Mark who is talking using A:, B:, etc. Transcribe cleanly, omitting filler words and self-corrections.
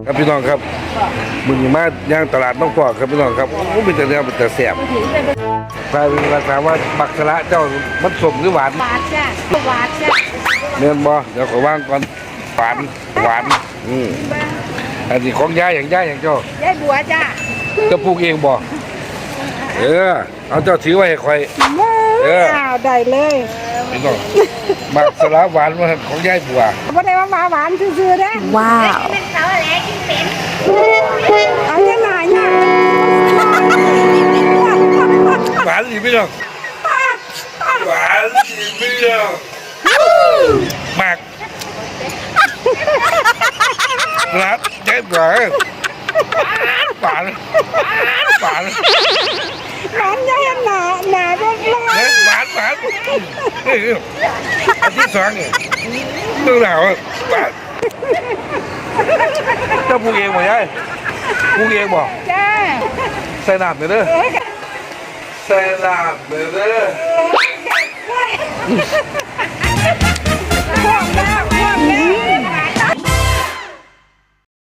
A: ครับพี่น้องครับมึงมาย่างตลาดน้องพอกครับพี่น้องครับโอ้เป็นแต่เนื้อเป็นแต่แสบใครเป็นราคาว่าบักสละเจ้ามันสมหรือหวาน
B: หวานจ้ะหวานจ้ะ
A: เนื้อบ่เดี๋ยวขอว่างก่อนหวานอันนี้ของย่าอย่างเจ้าย
B: ายบัวจ้ะ
A: จะปลูกเองบ่เอาเจ้าถือไว้ให้คอย
B: ได้เลย
A: พี่น้องบักสละหวานมาของย่ายบัว
B: ไม่ได้ว่าหวานซื่อๆนะว้าวเป็นเขาอะไรกินเป็นเอายังไงเนี่ย
A: หวานสิพี่น้องหวานสิพี่น้องมากรักย่ายบัวหวาน
B: ร้อนยังหนาก็ร้อน
A: หวานอันที่สองเนี่ยดูหนาวหวานเจ้าปลูกเองบ่ยายปลูกเองบ่
B: จ้า
A: ใส่น้ำเด้อใส่น้ำเด้อ